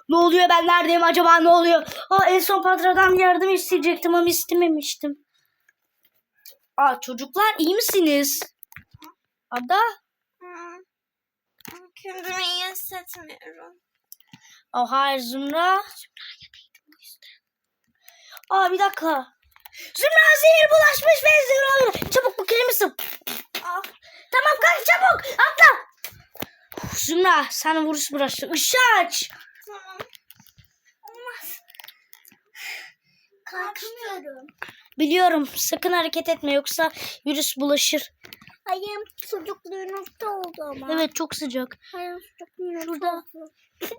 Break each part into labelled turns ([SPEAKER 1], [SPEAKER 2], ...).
[SPEAKER 1] Ne oluyor, ben neredeyim acaba, ne oluyor? En son patradan yardım isteyecektim ama istememiştim. Çocuklar iyi misiniz? Ada?
[SPEAKER 2] Kendimi iyi hissetmiyorum.
[SPEAKER 1] Hayır Zümra. Bir dakika. Zümra zehir bulaşmış ve Zümra. Çabuk bu kilimi sık. Tamam kalk çabuk atla. Zümra sen virüs bulaştı. Işığı aç.
[SPEAKER 2] Tamam. Olmaz. Kalkamıyorum.
[SPEAKER 1] Biliyorum, sakın hareket etme yoksa virüs bulaşır.
[SPEAKER 2] Ayağım çocukluğun nokta oldu ama.
[SPEAKER 1] Evet çok sıcak.
[SPEAKER 2] Ayağım çocukluğun
[SPEAKER 1] Şurada.
[SPEAKER 2] oldu.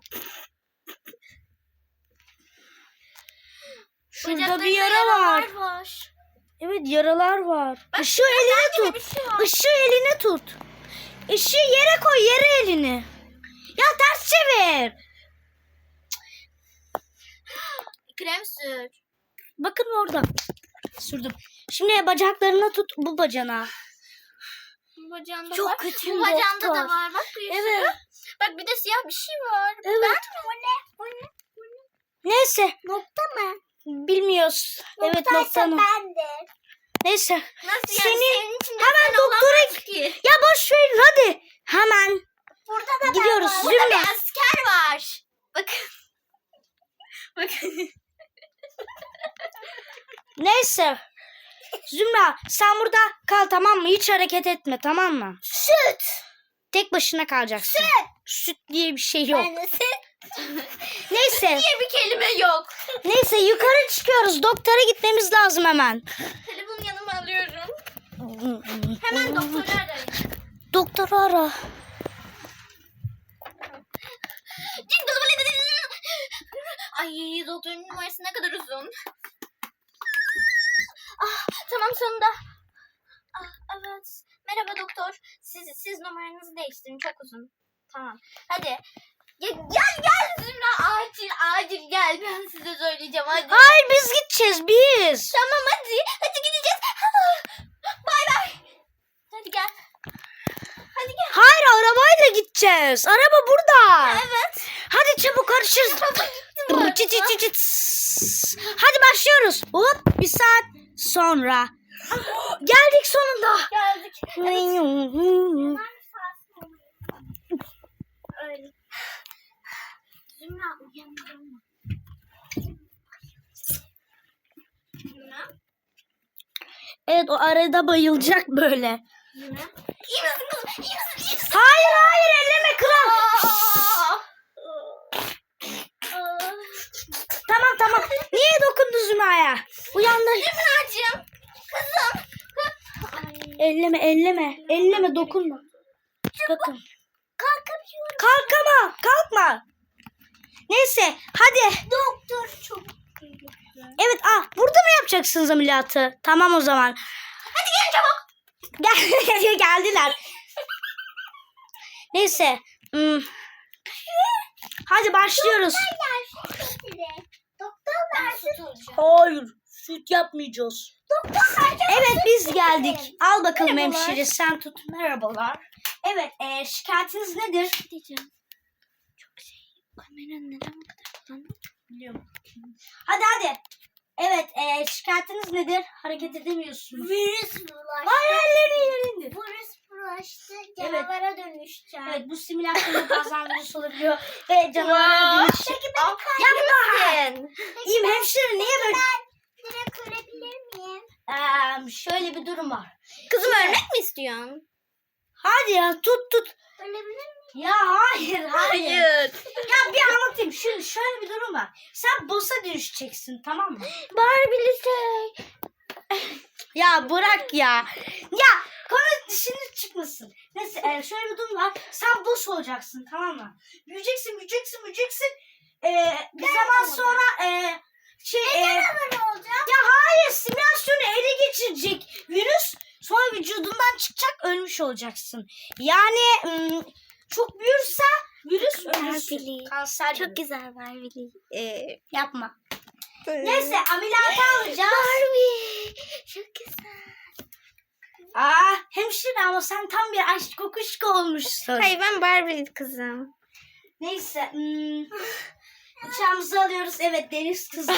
[SPEAKER 1] Şurada bir yara var. Evet yaralar var. Işığı eline tut. Işığı eline tut. Işığı yere koy, yere elini. Ya ters çevir.
[SPEAKER 2] Krem sür.
[SPEAKER 1] Bakın orada. Sürdüm. Şimdi bacaklarına tut, bu bacana.
[SPEAKER 2] Bacağında
[SPEAKER 1] Çok
[SPEAKER 2] var.
[SPEAKER 1] kötüyüm
[SPEAKER 2] Bu bacağında
[SPEAKER 1] doktor.
[SPEAKER 2] da var. Bak bir sürü.
[SPEAKER 1] Evet.
[SPEAKER 2] Bak bir de siyah bir şey var.
[SPEAKER 1] Evet.
[SPEAKER 2] Ben mi? O ne? O ne?
[SPEAKER 1] Neyse.
[SPEAKER 2] Nokta mı?
[SPEAKER 1] Bilmiyoruz. Evet noktanı.
[SPEAKER 2] bendir.
[SPEAKER 1] Neyse.
[SPEAKER 2] Nasıl
[SPEAKER 1] Senin
[SPEAKER 2] Senin içinde
[SPEAKER 1] hemen
[SPEAKER 2] sen
[SPEAKER 1] doktora
[SPEAKER 2] olamaz ki.
[SPEAKER 1] Ya boş verin hadi. Hemen
[SPEAKER 2] Burada da
[SPEAKER 1] gidiyoruz.
[SPEAKER 2] ben var. Burada
[SPEAKER 1] Zümra.
[SPEAKER 2] bir asker var. Bakın. Bakın.
[SPEAKER 1] Neyse. Zümra sen burada kal, tamam mı? Hiç hareket etme, tamam mı?
[SPEAKER 2] Süt.
[SPEAKER 1] Tek başına kalacaksın. Süt diye bir şey yok.
[SPEAKER 2] Yani süt
[SPEAKER 1] Neyse.
[SPEAKER 2] diye bir kelime yok.
[SPEAKER 1] Neyse yukarı çıkıyoruz. Doktora gitmemiz lazım hemen.
[SPEAKER 2] Telefonu yanıma alıyorum. Hemen doktoru arayın.
[SPEAKER 1] Doktoru ara.
[SPEAKER 2] Ay doktorun numarası ne kadar uzun. Tamam sonunda. Evet. Merhaba doktor. Siz numaranızı değiştirin, çok uzun. Tamam. Hadi. Gel Zümra, acil gel. Ben size söyleyeceğim hadi.
[SPEAKER 1] Hayır biz gideceğiz biz.
[SPEAKER 2] Tamam hadi gideceğiz. Bay bay. Hadi gel. Hadi gel.
[SPEAKER 1] Hayır arabayla gideceğiz. Araba burada.
[SPEAKER 2] Evet.
[SPEAKER 1] Hadi çabuk karışırız. Çıt çıt çıt çıt. Hadi başlıyoruz. Hop bir saat sonra. Geldik sonunda.
[SPEAKER 2] Geldik. Öyle. Zümra uyanmadın mı? Zümra?
[SPEAKER 1] Evet o arada bayılacak böyle.
[SPEAKER 2] Zümra? İyi misin kızım? İyi misin?
[SPEAKER 1] Hayır elleme kral. Tamam. Niye dokundu Zümra'ya? Uyandı.
[SPEAKER 2] Zümracığım. Kızım.
[SPEAKER 1] Elleme dokunma. Bakın.
[SPEAKER 2] Kalkamıyorum.
[SPEAKER 1] Kalkma. Neyse hadi.
[SPEAKER 2] Doktor çok
[SPEAKER 1] Evet burada mı yapacaksınız ameliyatı? Tamam o zaman.
[SPEAKER 2] Hadi gelin çabuk.
[SPEAKER 1] Geldiler. Neyse. Hadi başlıyoruz.
[SPEAKER 2] Doktor versin.
[SPEAKER 1] Hayır. Süt yapmayacağız.
[SPEAKER 2] Doktor versin.
[SPEAKER 1] Evet biz geldik. Al bakalım
[SPEAKER 2] Merhabalar.
[SPEAKER 1] hemşire sen tut. Merhabalar. Evet şikayetiniz nedir?
[SPEAKER 2] Diyeceğim. Çok kameranın neden bu kadar kullanıyor?
[SPEAKER 1] Biliyorum. Hadi. Evet şikayetiniz nedir? Hareket edemiyorsunuz.
[SPEAKER 2] Virüs bulaştı.
[SPEAKER 1] Hayır ellerini indir.
[SPEAKER 2] Virüs bulaştı.
[SPEAKER 1] Evet.
[SPEAKER 2] Canavara dönüşeceğim.
[SPEAKER 1] Evet bu simülasyonda bazen virüs olabiliyor. Ve canavara dönüş.
[SPEAKER 2] Peki beni
[SPEAKER 1] Yapma. İyiyim hemşire niye böyle?
[SPEAKER 2] direkt ölebilir miyim?
[SPEAKER 1] Şöyle bir durum var.
[SPEAKER 2] Kızım ölmek mi istiyorsun?
[SPEAKER 1] Hadi ya tut.
[SPEAKER 2] Ölebilir miyim?
[SPEAKER 1] Ya hayır. Ya bir anlatayım. Şimdi şöyle bir durum var. Sen boss'a dönüşeceksin tamam mı?
[SPEAKER 2] Barbie'li şey.
[SPEAKER 1] Ya bırak ya. Ya konu dışına çıkmasın. Neyse şöyle bir durum var. Sen boss olacaksın tamam mı? Büyüyeceksin. Bir zaman sonra
[SPEAKER 2] Ne olacak?
[SPEAKER 1] ya hayır simülasyonu ele geçirecek virüs. Sonra vücudundan çıkacak, ölmüş olacaksın. Yani çok büyürse virüs ölürsün.
[SPEAKER 2] Barbie'li.
[SPEAKER 1] Kanser
[SPEAKER 2] Çok
[SPEAKER 1] gibi.
[SPEAKER 2] güzel Barbie'li.
[SPEAKER 1] Yapma. Neyse ameliyata alacağız.
[SPEAKER 2] Barbie. Çok güzel.
[SPEAKER 1] Hemşire ama sen tam bir aşk kokuşku olmuşsun.
[SPEAKER 2] Hayır ben Barbie'li kızım.
[SPEAKER 1] Neyse. Bıçağımızı alıyoruz. Evet, deniz kızı.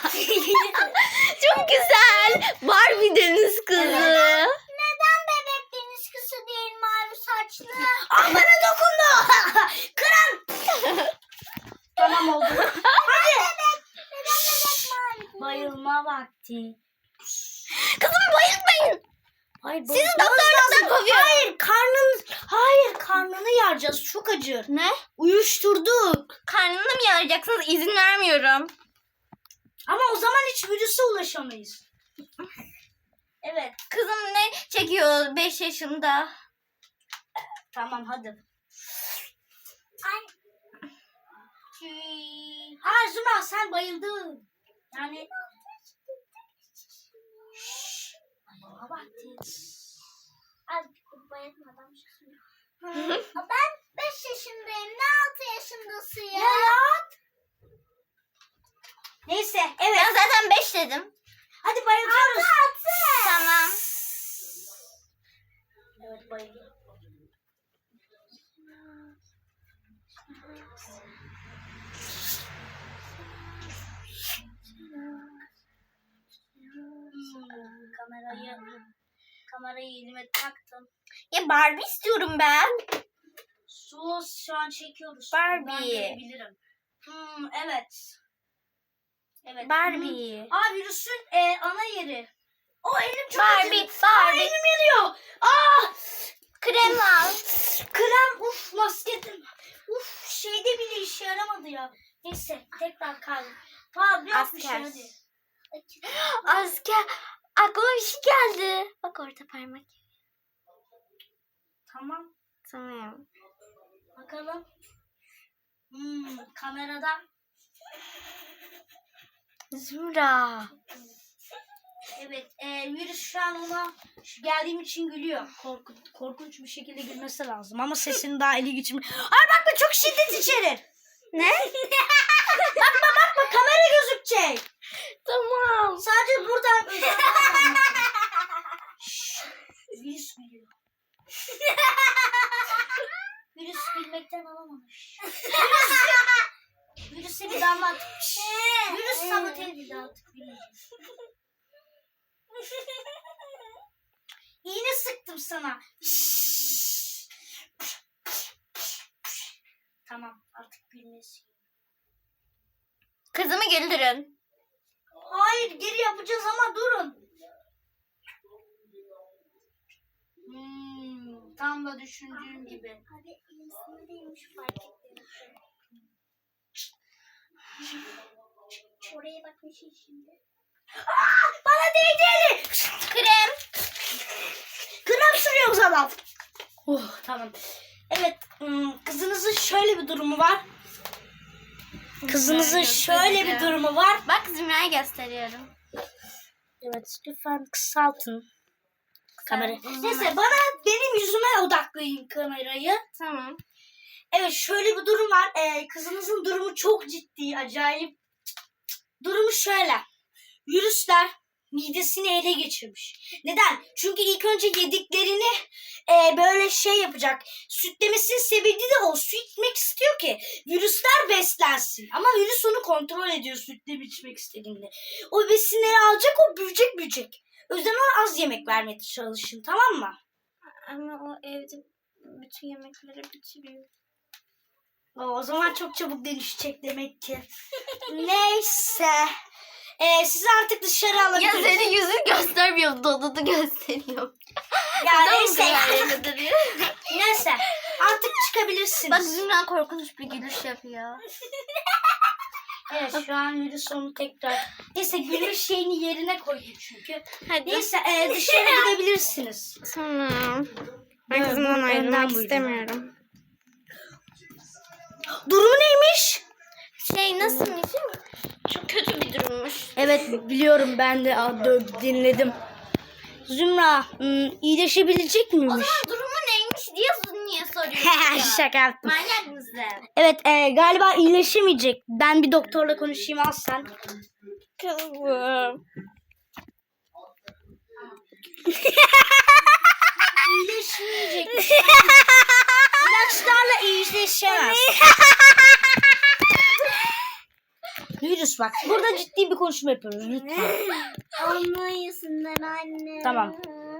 [SPEAKER 2] Çok güzel. Barbie deniz kızı.
[SPEAKER 3] Neden bebek deniz kızı değil mavi saçlı?
[SPEAKER 1] Ah, bana dokundu. Kıran. Tamam oldu. Hadi.
[SPEAKER 3] Neden bebek mavi?
[SPEAKER 1] Bayılma vakti.
[SPEAKER 2] Kızım bayılmayın.
[SPEAKER 1] Hayır,
[SPEAKER 2] Sizi doktorluktan kovuyorum.
[SPEAKER 1] Hayır, karnını yaracağız. Çok acır.
[SPEAKER 2] Ne?
[SPEAKER 1] Uyuşturduk.
[SPEAKER 2] Karnını mı yarayacaksınız? İzin vermiyorum.
[SPEAKER 1] Ama o zaman hiç virüse ulaşamayız. Evet.
[SPEAKER 2] Kızım ne çekiyor 5 yaşında?
[SPEAKER 1] Tamam, hadi.
[SPEAKER 3] Ay.
[SPEAKER 1] Ha Zuma, sen bayıldın. Yani... Bayılma vakti.
[SPEAKER 3] Az bayatmadan Ben 5 yaşındayım. Ne 6 yaşındasın ya?
[SPEAKER 1] Neyse,
[SPEAKER 2] Ben
[SPEAKER 1] evet.
[SPEAKER 2] zaten 5 dedim.
[SPEAKER 1] Hadi bayılıyoruz.
[SPEAKER 2] Tamam.
[SPEAKER 1] Evet, bayılıyor. Kamerayı elime taktım.
[SPEAKER 2] Ya Barbie istiyorum ben.
[SPEAKER 1] Sus, şu an çekiyoruz.
[SPEAKER 2] Barbie.
[SPEAKER 1] Ben görebilirim. Evet. Evet.
[SPEAKER 2] Barbie.
[SPEAKER 1] Aa, virüsün ana yeri. O elim çok
[SPEAKER 2] Barbie,
[SPEAKER 1] acıdı. Aa,
[SPEAKER 2] Barbie.
[SPEAKER 1] elim yanıyor. Aa!
[SPEAKER 2] Krem al.
[SPEAKER 1] Krem, masketim. Şeyde bile işe yaramadı ya. Neyse, tekrar kaldım. Tamam, yok bir şey,
[SPEAKER 2] Asker.
[SPEAKER 1] hadi.
[SPEAKER 2] Asker. Aklıma bir şey geldi. Bak orada parmak.
[SPEAKER 1] Tamam,
[SPEAKER 2] Tamam.
[SPEAKER 1] bakalım. Kameradan.
[SPEAKER 2] Zümra.
[SPEAKER 1] Evet, virüs şu an ona geldiğim için gülüyor. Korkunç bir şekilde gülmesi lazım ama sesini daha eli geçirmiyor. Ay bakma, çok şiddet içerir.
[SPEAKER 2] Ne?
[SPEAKER 1] Bakma, kamera gözükecek.
[SPEAKER 2] Tamam.
[SPEAKER 1] Sadece buradan. Şşş, virüs gülüyor. Virüs gülmekten alamamış. Virüse bir damla atmış. Virüs sabote edildi artık. İğne sıktım sana. Tamam, artık gülmesi.
[SPEAKER 2] Kızımı güldürün.
[SPEAKER 1] Hayır, geri yapacağız ama durun. Tam da düşündüğüm gibi.
[SPEAKER 3] Hadi insana değilmiş fark ettim. Oraya bakmışsın şimdi.
[SPEAKER 1] Bana değdi eli.
[SPEAKER 2] Krem.
[SPEAKER 1] Krem sürüyor o zaman. Tamam. Evet, kızınızın şöyle bir durumu var. Kızınızın şöyle bir durumu var.
[SPEAKER 2] Bak Zümra'yı gösteriyorum.
[SPEAKER 1] Evet, lütfen kısaltın kamerayı.
[SPEAKER 2] uzun
[SPEAKER 1] Neyse, benim yüzüme odaklayın kamerayı.
[SPEAKER 2] Tamam.
[SPEAKER 1] Evet, şöyle bir durum var. Kızınızın durumu çok ciddi, acayip. Durumu şöyle. Virüsler midesini ele geçirmiş. Neden? Çünkü ilk önce yediklerini böyle şey yapacak. Sütlemesinin sebebi de o. Su içmek istiyor ki virüsler beslensin. Ama virüs onu kontrol ediyor sütle içmek istediğinde. O besinleri alacak, o büyüyecek. O yüzden ona az yemek vermeye çalışın, tamam mı?
[SPEAKER 2] Ama o evde bütün yemekleri bitiriyor.
[SPEAKER 1] O zaman çok çabuk dönüşecek demek ki. Neyse. Sizi artık dışarı
[SPEAKER 2] Ya
[SPEAKER 1] alabiliriz.
[SPEAKER 2] senin yüzün göstermiyor. Dodudu gösteriyor.
[SPEAKER 1] Ya neyse.
[SPEAKER 2] Neyse.
[SPEAKER 1] Neyse. Artık çıkabilirsiniz.
[SPEAKER 2] Bak Zümra korkunç bir gülüş yapıyor.
[SPEAKER 1] Evet, şu an virüs onu tekrar. Neyse, gülüş şeyini yerine koydum çünkü.
[SPEAKER 2] Hadi.
[SPEAKER 1] Neyse, dışarı gidebilirsiniz.
[SPEAKER 2] Tamam. Ben
[SPEAKER 1] Evet,
[SPEAKER 2] kızımdan
[SPEAKER 1] bu
[SPEAKER 2] ayrılmak
[SPEAKER 1] önden buyurun.
[SPEAKER 2] istemiyorum.
[SPEAKER 1] Durumu neymiş?
[SPEAKER 2] Nasılmış? Çok kötü bir durummuş.
[SPEAKER 1] Evet, biliyorum, ben de dinledim. Zümra, iyileşebilecek
[SPEAKER 2] O
[SPEAKER 1] miymiş?
[SPEAKER 2] zaman durumu neymiş diye niye soruyorsun?
[SPEAKER 1] Şaka yaptım.
[SPEAKER 2] Manyak mısın?
[SPEAKER 1] Evet, galiba iyileşemeyecek. Ben bir doktorla konuşayım, al sen.
[SPEAKER 2] Kızım.
[SPEAKER 1] İyileşmeyecek. İlaçlarla iyileşemez. sus bak. Burada ciddi bir konuşma yapıyoruz lütfen.
[SPEAKER 3] Anlayasınlar anne.
[SPEAKER 1] Tamam.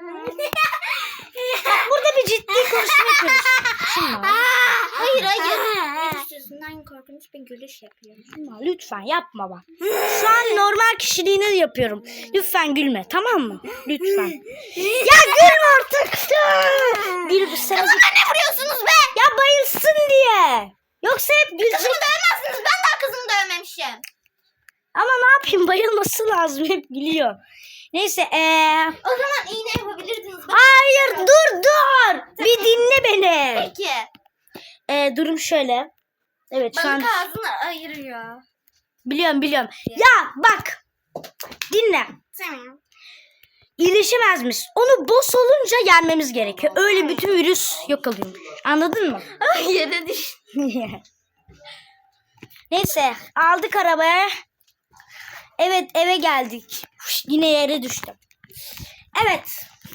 [SPEAKER 1] Burada bir ciddi konuşma yapıyoruz. Şunla.
[SPEAKER 2] Hayır. Ne istiyorsun? Hangi korkunç bir gülüş yapıyorum.
[SPEAKER 1] Şunla, lütfen yapma bak. Şu an normal kişiliğini yapıyorum. Lütfen gülme, tamam mı? Lütfen. Ya gülme artık. Gül sen.
[SPEAKER 2] Kızıma ne vuruyorsunuz be?
[SPEAKER 1] Ya bayılsın diye. Yoksa hep gülecek.
[SPEAKER 2] Kızımı dövmezsiniz. Ben daha kızımı dövmemişim.
[SPEAKER 1] Ama ne yapayım, bayılması lazım, hep gülüyor. Neyse
[SPEAKER 2] O zaman iğne yapabilirdiniz.
[SPEAKER 1] hayır dur. Bir dinle beni.
[SPEAKER 2] Peki.
[SPEAKER 1] Durum şöyle. Evet şu an
[SPEAKER 2] Balık ağzını ayırıyor.
[SPEAKER 1] biliyorum. Ya bak. Dinle.
[SPEAKER 2] Tamam.
[SPEAKER 1] İyileşemezmiş. Onu boss olunca yenmemiz gerekiyor. Öyle bütün virüs yok oluyor. Anladın mı?
[SPEAKER 2] Yere düş.
[SPEAKER 1] Neyse aldık arabaya. Evet eve geldik. Yine yere düştüm. Evet.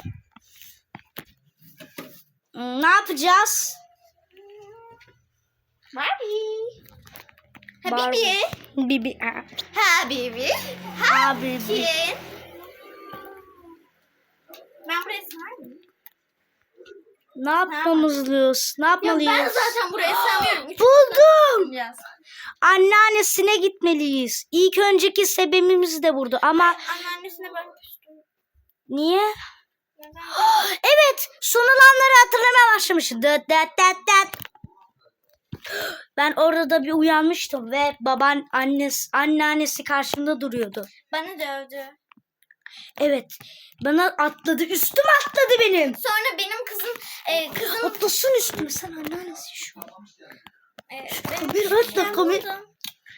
[SPEAKER 1] Ne yapacağız?
[SPEAKER 2] Barbie.
[SPEAKER 1] Barbie.
[SPEAKER 2] Habibi.
[SPEAKER 1] Bibi.
[SPEAKER 2] Habibi.
[SPEAKER 1] Abi.
[SPEAKER 2] Kim? Ben buraya sığar mıyım?
[SPEAKER 1] Ne yapmamız? Ne
[SPEAKER 2] Yok ben
[SPEAKER 1] yapmalıyız?
[SPEAKER 2] zaten buraya sığamıyorum.
[SPEAKER 1] Buldum.
[SPEAKER 2] Biraz.
[SPEAKER 1] Anneannesine gitmeliyiz. İlk önceki sebebimiz de burada ama
[SPEAKER 2] Anneannesine ben küstüm.
[SPEAKER 1] niye?
[SPEAKER 2] Neden?
[SPEAKER 1] Evet, son olanları hatırlamaya başlamışım. Dıt dıt dıt dıt. Ben orada da bir uyanmıştım ve anneannesi karşımda duruyordu.
[SPEAKER 2] Bana dövdü.
[SPEAKER 1] Evet, bana atladı, üstüme atladı benim.
[SPEAKER 2] Sonra benim kızım
[SPEAKER 1] Atlasın üstüme, sen anneannesi şu.
[SPEAKER 2] benim
[SPEAKER 1] Bir dakika,
[SPEAKER 2] ben
[SPEAKER 1] bir-
[SPEAKER 2] buldum.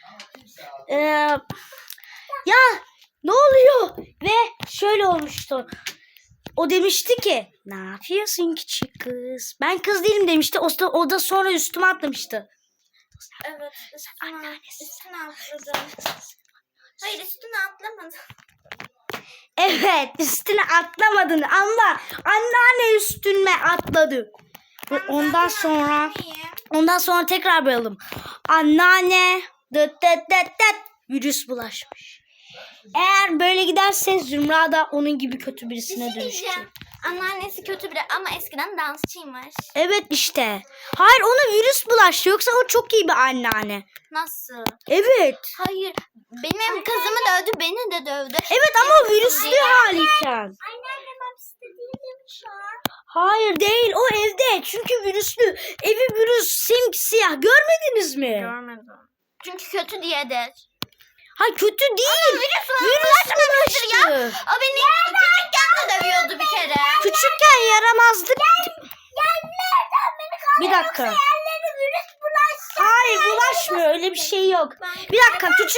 [SPEAKER 1] Ya ne oluyor? Ve şöyle olmuştu. O demişti ki, ne yapıyorsun küçük kız? Ben kız değilim demişti. O da sonra üstüme atlamıştı.
[SPEAKER 2] Evet. Üstüne atladım. Hayır üstüne atlamadım.
[SPEAKER 1] Evet, üstüne atlamadın ama anneanne üstüme atladı. Ve ondan sonra tekrar bayalım. Anneanne dıt dıt dıt dıt virüs bulaşmış. Eğer böyle giderse Zümra da onun gibi kötü birisine dönüşecek.
[SPEAKER 2] Anneannesi kötü biri ama eskiden dansçıymış.
[SPEAKER 1] Evet işte. Hayır, ona virüs bulaştı, yoksa o çok iyi bir anneanne.
[SPEAKER 2] Nasıl?
[SPEAKER 1] Evet.
[SPEAKER 2] Hayır. Benim kızımı dövdü, beni de dövdü.
[SPEAKER 1] Evet ama o virüslü haliyken.
[SPEAKER 3] Anneannem hapiste değil mi şu an?
[SPEAKER 1] Hayır değil, o evde, çünkü virüslü. Evi virüs simsiyah, görmediniz mi?
[SPEAKER 2] Görmedim. Çünkü kötü diyedir.
[SPEAKER 1] Hayır kötü değil.
[SPEAKER 2] Virüs
[SPEAKER 1] bulaştı.
[SPEAKER 2] ya. O beni küçükken de dövüyordu bir kere.
[SPEAKER 1] Küçükken yaramazdık.
[SPEAKER 3] Yerlerden beni kaldır.
[SPEAKER 1] Bir dakika.
[SPEAKER 3] Yerleri virüs bulaştı.
[SPEAKER 1] Hayır bulaşmıyor, öyle bir şey yok. Bir dakika küçük.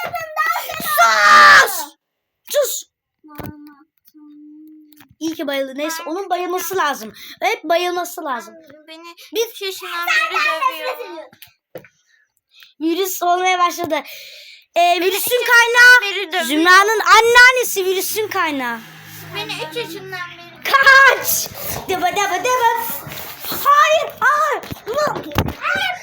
[SPEAKER 1] Sus. İyi ki bayıldı. Neyse onun bayılması lazım. Hep bayılması lazım.
[SPEAKER 2] Beni 3 yaşından beri dövüyor.
[SPEAKER 1] Virüs olmaya başladı. Virüsün kaynağı
[SPEAKER 2] Beri dövüyor.
[SPEAKER 1] Zümra'nın anneannesi, virüsün kaynağı.
[SPEAKER 2] Beni 3 yaşından beri
[SPEAKER 1] Kaç! Daba daba daba. Hayır! Hayır!